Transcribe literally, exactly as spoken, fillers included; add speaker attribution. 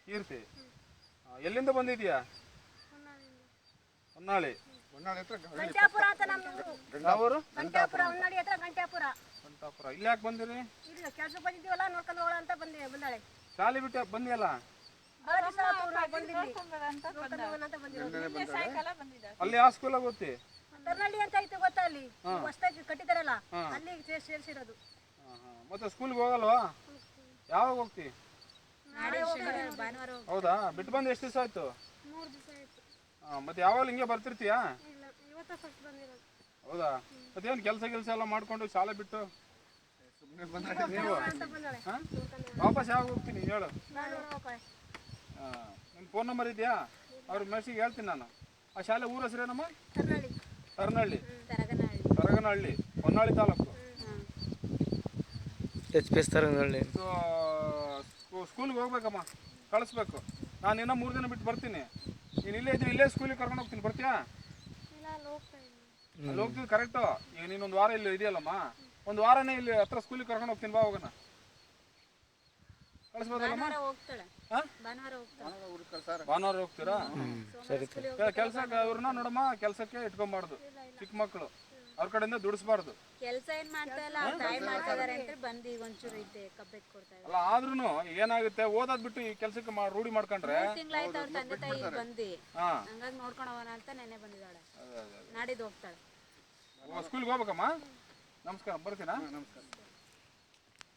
Speaker 1: ಕೀರ್ತಿ ಎಲ್ಲಿಂದ ಬಂದಿದ್ಯಾ? ಹೊನ್ನಾಳಿ. ಹೊನ್ನಾಳಿ ಹತ್ರ
Speaker 2: ಗಂಟ್ಯಾಪುರ ಅಂತ ನಮ್ಮ
Speaker 1: ಯಾವೂರು?
Speaker 2: ಗಂಟ್ಯಾಪುರ ಹೊನ್ನಾಳಿ ಹತ್ರ ಗಂಟ್ಯಾಪುರ.
Speaker 1: ಗಂಟಾಪುರ. ಇಲ್ಲಿ ಯಾಕೆ ಬಂದಿರಿ?
Speaker 2: ಇಲ್ಲ ಕೆಲ್ಸಕ್ಕೆ ಬಂದಿದ್ದೀವಲ್ಲ ನೋಡ್ಕೊಂಡು ಹೋಗೋಣ ಅಂತ ಬಂದೆ ಬಂದಾಳೆ.
Speaker 1: ಶಾಲೆ ಬಿಟ್ಟು ಬಂದಿಯಲ್ಲ? ಅಲ್ಲಿ ಯಾವ ಸ್ಕೂಲಾಗ ಓದ್ತಿ?
Speaker 2: ತರ್ನಳ್ಳಿ ಅಂತ ಐತೆ ಗೊತ್ತಾ, ಅಲ್ಲಿ ಹೊಸದಾಗಿ ಕಟ್ಟಿದಾರಲ್ಲ ಅಲ್ಲಿ ಸೇರಿಸಿರೋದು.
Speaker 1: ಮತ್ತೆ ಸ್ಕೂಲ್ಗೆ ಹೋಗಲ್ವಾ? ಯಾವಾಗ ಹೋಗ್ತಿ? ಹೌದಾ, ಬಿಟ್ಟು ಬಂದು ಎಷ್ಟು ದಿವಸ ಆಯ್ತು? ಮತ್ತೆ ಯಾವಾಗ ಹಿಂಗೆ ಬರ್ತಿರ್ತೀಯಾ? ಹೌದಾ, ಮತ್ತೇನು ಕೆಲಸ ಕೆಲಸ ಎಲ್ಲ ಮಾಡ್ಕೊಂಡು ಶಾಲೆ ಬಿಟ್ಟು ನೀವು ವಾಪಸ್ ಯಾವಾಗ ಹೋಗ್ತೀನಿ ಹೇಳು? ನಿಮ್ಮ ಫೋನ್ ನಂಬರ್ ಇದೆಯಾ? ಅವ್ರ ಮೆಸೇಜ್ ಹೇಳ್ತೀನಿ ನಾನು. ಆ ಶಾಲೆ ಊರ ಹೆಸರೇನಮ್ಮ? Taranahalli. Taraganahalli, Honnali taluk.
Speaker 3: H P S Taraganahalli.
Speaker 1: ಸ್ಕೂಲ್ಗೆ ಹೋಗ್ಬೇಕಮ್ಮ, ಕಳಿಸ್ಬೇಕು. ನಾನು ಇನ್ನೂ ಮೂರು ದಿನ ಬಿಟ್ಟು ಬರ್ತೀನಿ. ನೀನು ಇಲ್ಲೇ ಇದ್ದೀನಿ, ಇಲ್ಲೇ ಸ್ಕೂಲಿಗೆ ಕರ್ಕೊಂಡು ಹೋಗ್ತೀನಿ, ಬರ್ತೀಯಾ? ಅಲ್ಲಿ ಹೋಗ್ತೀವಿ ಕರೆಕ್ಟು. ಈಗ ನೀನೊಂದು ವಾರ ಇಲ್ಲಿ ಇದೆಯಲ್ಲಮ್ಮ, ಒಂದು ವಾರನೇ ಇಲ್ಲಿ ಹತ್ರ ಸ್ಕೂಲಿಗೆ ಕರ್ಕೊಂಡು ಹೋಗ್ತೀನಿ, ಬಾ ಹೋಗೋಣ. ಕಳಿಸ್ಬೋದಲ್ಲಮ್ಮ? ಭಾನುವಾರ ಹೋಗ್ತೀರಾ?
Speaker 3: ಸರಿ.
Speaker 1: ಕೆಲ್ಸಕ್ಕೆ ಇವ್ರನ್ನ ನೋಡಮ್ಮ, ಕೆಲಸಕ್ಕೆ ಇಟ್ಕೊಂಬಾರ್ದು. ಚಿಕ್ಕ ಮಕ್ಕಳು ಅವ್ರ ಕಡೆಯಿಂದ ದುಡಿಸ್ಬಾರ್ದು.
Speaker 4: ಕೆಲಸ ಏನ್ ಮಾಡ್ತಾ ಇಲ್ಲ, ತಾಯಿ ಮಾಡ್ತಾ ಇದಾರೆ ಅಂತ ಬಂದು ಈಗ ಒಂಚೂರು ಐತೆ ಕಬ್ಬೆಟ್ ಕೊಡ್ತಾ ಇದ್ದಾರೆ.
Speaker 1: ಅಲ್ಲ ಆದ್ರೂ ಏನಾಗುತ್ತೆ, ಓದೋದ್ ಬಿಟ್ಟು ಈ ಕೆಲಸಕ್ಕೆ ರೂಢಿ ಮಾಡ್ಕೊಂಡ್ರೆ
Speaker 4: ತಿಂಗಳಾಯ್ತು ಅವ್ರ ತಂದೆ ತಾಯಿ ಬಂದು, ಹಂಗಾಗಿ ನೋಡ್ಕೊಂಡು ಹೋಗೋಣ ಅಂತ ನೆನೆ ಬಂದಿದ್ದಾಳೆ. ನಾಡಿದ್ದು ಹೋಗ್ತಾಳೆ.
Speaker 1: ಸ್ಕೂಲ್ಗೆ ಹೋಗ್ಬೇಕಮ್ಮ. ನಮಸ್ಕಾರ, ಬರ್ತೀನಾ? ನಮಸ್ಕಾರ.